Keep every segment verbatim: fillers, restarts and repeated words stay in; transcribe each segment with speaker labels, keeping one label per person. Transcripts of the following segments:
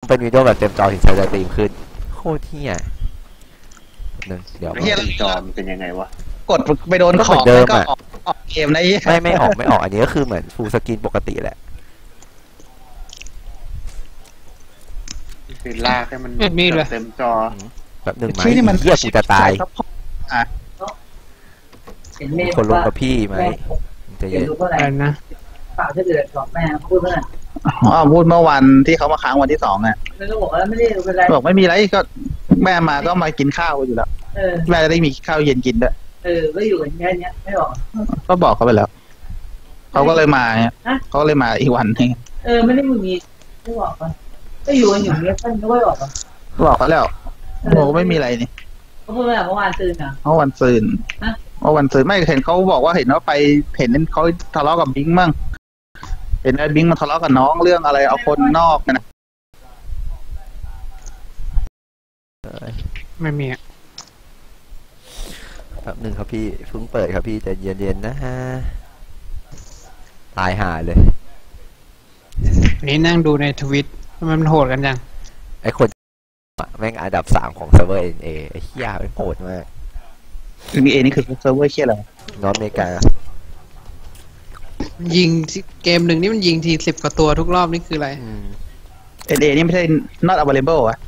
Speaker 1: เป็นวิดีโอแบบเต็มจอถึงจะตีมขึ้นโคตรเที่ยนึงเดี๋ยว
Speaker 2: เต็มจอมันเป็นยังไงวะ
Speaker 3: กดไปโดนของก็ออกออกเกมได้
Speaker 1: ไม่ไม่ออกไม่ออกอันนี้ก็คือเหมือนฟูลสกรีนปกติแหละ
Speaker 2: คือลากให้มันเต็มจอ
Speaker 1: แบบหนึ่งไหมที่มันเหี้ยกูจะตายคนลงกับพี่ไหมจะเย็น
Speaker 4: อะไรนะฝากถ้าเกิดบอกแม่พูดเมื่อ
Speaker 3: อ๋อพูดเมื่อวันที่เขามาค้างวันที่สองอ่ะ
Speaker 4: ไม่ต้องบอกว่าไม่ได้เป็นไร
Speaker 3: บอกไม่มีไรก็แม่มาก็มากินข้าวอยู่แล้วแม่จะได้มีข้าวเย็นกินด้วย
Speaker 4: เออก็อยู่อย่างเงี้ยไม่บอก
Speaker 3: ก็บอกเขาไปแล้วเขาก็เลยมาเนี่ยเขาเลยมาอีกวันนึง
Speaker 4: เออไม่ได้มึงมีไม่บอกกันก็อยู่กันอย่างเงี้ยท่านก็ไม่บอกกัน
Speaker 3: บอกเขาแล้วบอกไม่มีอะไรนี่
Speaker 4: เขาพูดว่าเมื่อวานซืนอ่ะ
Speaker 3: เมื่อวันซืนเมื่อวันซืนไม่เห็นเขาบอกว่าเห็นว่าไปเห็นเขาทะเลาะกับบิงมั่งเห็นไอ้บิงมาทะเลาะกับน้องเรื่องอะไรเอาคนนอกนะ
Speaker 5: ไม่มี
Speaker 1: ครับหนึ่งครับพี่เพิ่งเปิดครับพี่แต่เย็นๆนะฮะตายห่าเลย
Speaker 5: นี่นั่งดูในทวิตมันโหดกันจัง
Speaker 1: ไอ้คนแม่งอันดับสามของเซิร์ฟเวอร์เอ็นเอไอ้เหี้ยมันโหดมาก
Speaker 3: คือเอนี่คือเซิร์ฟเวอร์เหี้ยอะไร
Speaker 1: นอร์ทอเมริกา
Speaker 5: ยิงเกมหนึ่งนี่มันยิงทีสิบกว่าตัวทุกรอบนี่คืออะไร
Speaker 3: เอ็นเอนี่ไม่ใช่ not available อ่ะ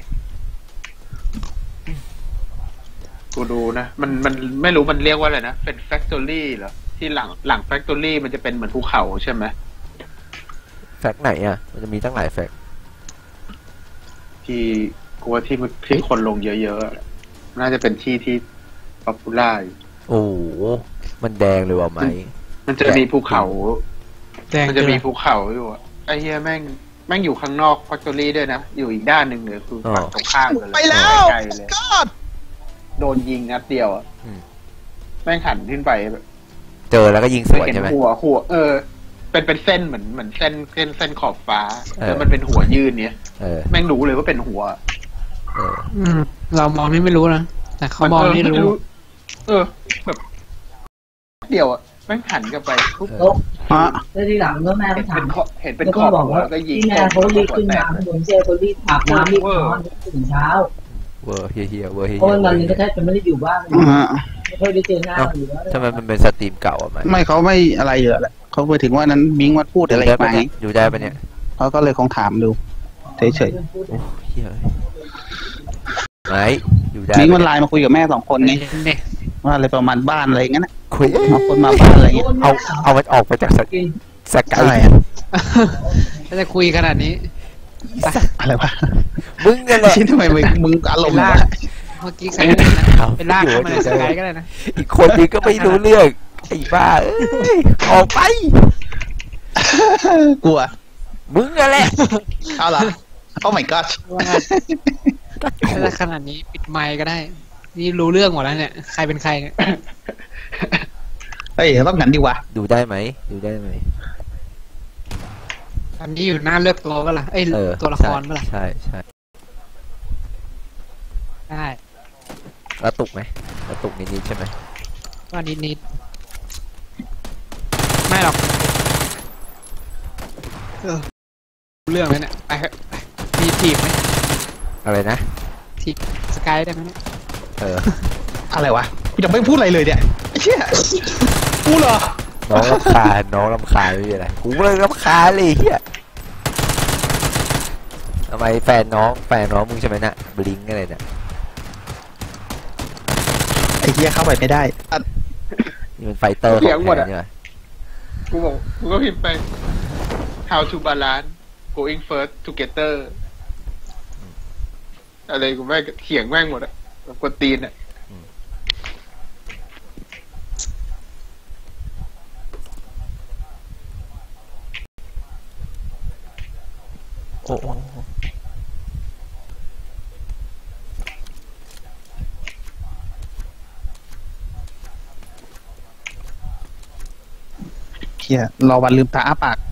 Speaker 2: กูดูนะมันมันไม่รู้มันเรียกว่าอะไรนะเป็น factory เหรอที่หลังหลัง factory มันจะเป็นเหมือนภูเขาใช่ไหม
Speaker 1: แฟกไหนอ่ะมันจะมีตั้งหลายแฟก
Speaker 2: ที่กูว่าที่ที่คนลงเยอะๆน่าจะเป็นที่ที่ป๊อปปูล่า
Speaker 1: โอ้มันแดงเลยว่ะไหม
Speaker 2: มันจะมีภูเขามันจะมีภูเขาอยู่อ่ะไอ้เหี้ยแม่งแม่งอยู่ข้างนอก factory ด้วยนะอยู่อีกด้านหนึ่งเลยคือฝั่งตรงข้ามเลย
Speaker 3: ไปแล้ว
Speaker 2: โดนยิงนัดเดียวอ่ะแม่งหันขึ้นไปแบบ
Speaker 1: เจอแล้วก็ยิงสวนใช่ไหม
Speaker 2: หัวหัวเออเป็นเป็นเส้นเหมือนเหมือนเส้นเส้นเส้นขอบฟ้าแล้วมันเป็นหัวยื่นเนี้ยแม่งรู้เลยว่าเป็นหัว
Speaker 5: เรามองนี่ไม่รู้นะแต่เขามองนี่รู้
Speaker 2: เออแบบเดียวอ่ะแม่งหันกลับไปปุ๊บ
Speaker 4: อ่ะแล้วทีหลังก็แม่ถาม
Speaker 2: เห็นเป็นขอบหัวก็ยิง
Speaker 4: แม่เขารีบขึ้นมาผมเจอเขารีบอาบน้ำรีบนอนถึงเช้า
Speaker 1: เวอร์เฮียเฮียเวอร์เฮีย
Speaker 4: เพราะวันนี้ก็แทบจะไม่ได้อยู่บ้านไม่ค่อยได้เจอหน้าอยู่แล้ว
Speaker 1: ทำไมมันเป็นสตรีมเก่าอ่ะไหม
Speaker 3: ไม่เขาไม่อะไรเยอะแหละเขาไปถึงว่านั้นบิงวัดพูดอะไรไป
Speaker 1: อยู่ได้ปะเนี่ย
Speaker 3: เขาก็เลยคงถามดูเฉย
Speaker 1: ๆโอ้เฮียไหนอยู่ได้
Speaker 3: บิงมันไลน์มาคุยกับแม่สองคนไงว่าอะไรประมาณบ้านอะไรงั้นนะคุยมาคนมาบ้านอะไรเงี้ย
Speaker 1: เอาเอามันออกไปจากสสกาย
Speaker 5: ถ้าจะคุยขนาดนี้
Speaker 3: อะไรวะ
Speaker 1: มึงกันแหละ
Speaker 3: ทำไมมึงอารมณ์
Speaker 5: เมื่อกี้ใครเป็นลากเข้ามาในสกายก็ได้นะ
Speaker 1: อีกคนนึงก็ไม่รู้เรื่องไอ้บ้าออกไป
Speaker 3: กลัว
Speaker 1: มึงกันแหละ
Speaker 3: เอาล่ะโอ้ my god
Speaker 5: ถ้าขนาดนี้ปิดไมค์ก็ได้นี่รู้เรื่องหมดแล้วเนี่ยใครเป็นใครเนี่ย
Speaker 3: เฮ้ยต้องงั้นดีวะ
Speaker 1: ดูได้ไหมดูได้ไหม
Speaker 5: อันนี้อยู่หน้าเลือกตัวก็ล่ะเอ้ยตัวละครก็ล่ะ
Speaker 1: ใช่ใช่
Speaker 5: ได้
Speaker 1: แล้วตุกไหมแล้วตุกนิดๆใช่ไหม
Speaker 5: ว่านิดนิดไม่หรอกเออเรื่องเลยเนี่ยไปมีทีมไหม
Speaker 1: อะไรนะ
Speaker 5: ทีมสกายได้ไหมเนี่ย
Speaker 1: เออ
Speaker 3: อะไรวะกูจะไม่พูดอะไรเลยเนี่ยเชี่ยกูเหรอ
Speaker 1: น้องรำคาญน้องรำคาญไม่ใช่อะไรกูเลยรำคาญเลยเฮียทำไมแฟนน้องแฟนน้องมึงใช่ไหมน่ะบลิงอะไรเนี่ย
Speaker 3: ไอ้เฮียเข้าไปไม่ได้
Speaker 1: นี่มันไฟเตอร์ของแท้เนี่ย
Speaker 2: กูบอกกูก็พิมพ์ไป how to balance going first together อะไรกูแม่งเถียงแม่งหมดอะกวนตีนอะ
Speaker 1: โอ้โห
Speaker 3: เฮียรอวันลืมตาอ้าปาก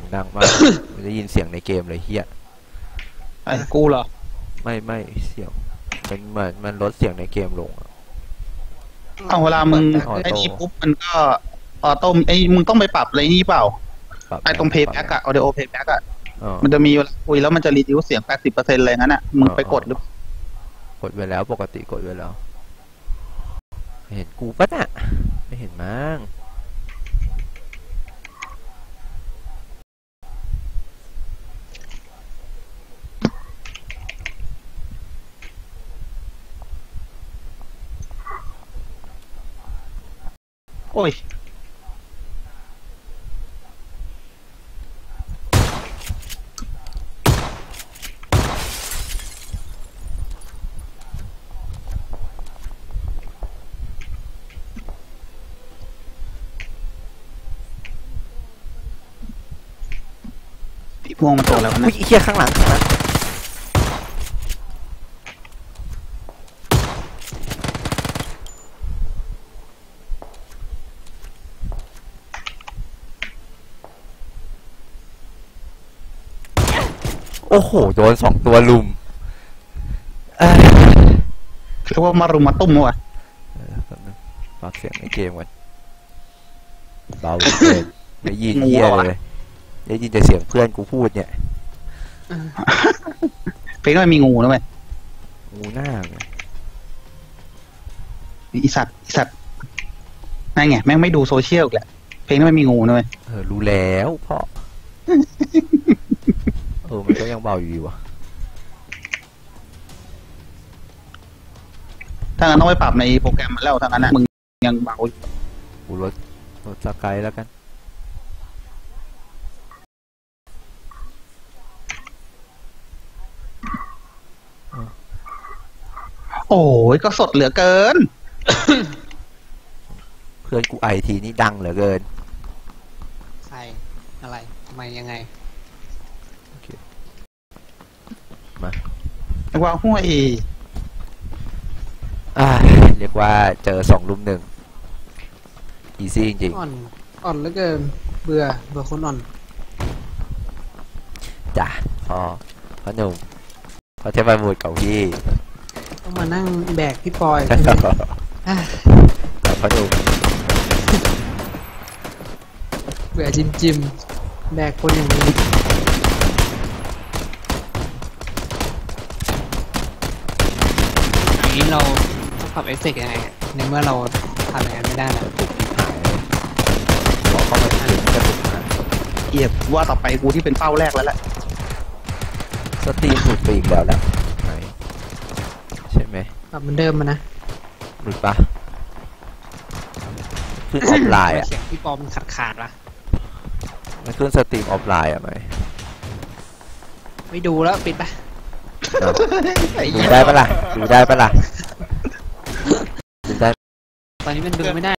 Speaker 1: ดังมาก มันได้ยินเสียงในเกมเลยเฮีย
Speaker 3: ไอ้กูเหรอ
Speaker 1: ไม่ไม่เสียงมันเหมือนมันลดเสียงในเกมลงอะ
Speaker 3: เอาเวลามึง
Speaker 1: ออโต้
Speaker 3: ไอ้นี่ปุ๊บมันก็ออโต้ไอ้มึงต้องไปปรับอะไรนี่เปล่า
Speaker 1: ปบ
Speaker 3: ไอ้ตรงเพย์แบ็กอะออเดโอเพย์แบ็กอะ
Speaker 1: อ๋อ
Speaker 3: มันจะมีเวลาคุยแล้วมันจะรีดิวเสียงแปดสิบเปอร์เซ็นต์อะไรงั้นอะมึงไปกดหรือ
Speaker 1: กดไว้แล้วปกติกดไว้แล้วเห็นกูปะน่ะไม่เห็นมั้ง
Speaker 3: โอ้ยพี่ม่วงมันโตแล้ว
Speaker 1: อุ้
Speaker 3: นะ
Speaker 1: ยไอ้เฮียข้างหลังข้างหลังโอ้โหโดนสองตัวลุมเอ้ย
Speaker 3: เรียกว่ามารุมมาตุ้มวะ
Speaker 1: เออแป๊บนึงปรับเสียงในเกมก่อนเบาเหลือเกินไม่ยินเฮียเลยได้ยินแต่เสียงเพื่อนกูพูดเนี่ย
Speaker 3: เพลงมันมีงูนะเว้ย
Speaker 1: งูหน้าไง
Speaker 3: อีสัตว์อีสัตว์นั่นไงแม่งไม่ดูโซเชียลอีกแหละเพลงนั้นมันมีงูนะเว้ย
Speaker 1: เออรู้แล้วพ่อ เออมันก็ยังเบาอยู่ดีวะ
Speaker 3: ถ้างั้นต้องไปปรับในโปรแกรมมันแล้วถ้างั้นนะมึงยังเบาอยู่
Speaker 1: กูลดลดสกายแล้วกัน
Speaker 3: โอ้ยก็สดเหลือเกิน
Speaker 1: เพื่อนกูไอทีนี่ดังเหลือเกิน
Speaker 5: ใครอะไรทำไมยังไง
Speaker 3: ไอ้ว่าห้วย
Speaker 1: อ่าเรียกว่าเจอสองลุมหนึ่งอีซี่จริง
Speaker 5: อ่อนอ่อนเหลือเกินเบื่อเบื่อคนอ่อน
Speaker 1: ๆจ้ะพอพอหนุ่มพอเทพบุตรเก่าพี่
Speaker 5: ต้องมานั่งแบกพี่ปอยใช่ไหมอ่ะ
Speaker 1: พอหนุ่ม
Speaker 5: เบื่อจิมจิมแบกคนอย่างนี้อย่างนี้เราต้องปรับเอฟเฟกต์ยังไงอะในเมื่อเราทำอย่างนั้นไม่ได้แล้ว
Speaker 1: ขอเข้ามาถึงกระตุกมา
Speaker 3: เอียบว่าต่อไปกูที่เป็นเป้าแรกแล้วแหละ
Speaker 1: สตรีมหลุดไปอีกแล้วแหละไหนใช่ไหม
Speaker 5: ปรับเหมือนเดิมมานะ
Speaker 1: หลุดปะขึ้นออฟไลน์อ่ะ
Speaker 5: เสียงพี่ปอมันขาดขาดๆละ
Speaker 1: มันขึ้นสตรีมออฟไลน์อ่ะไหม
Speaker 5: ไม่ดูแล้วปิดไป
Speaker 1: ดูได้ปะล่ะดูได้ปะล่ะดูได้
Speaker 5: ตอนนี้มันดูไม่ได้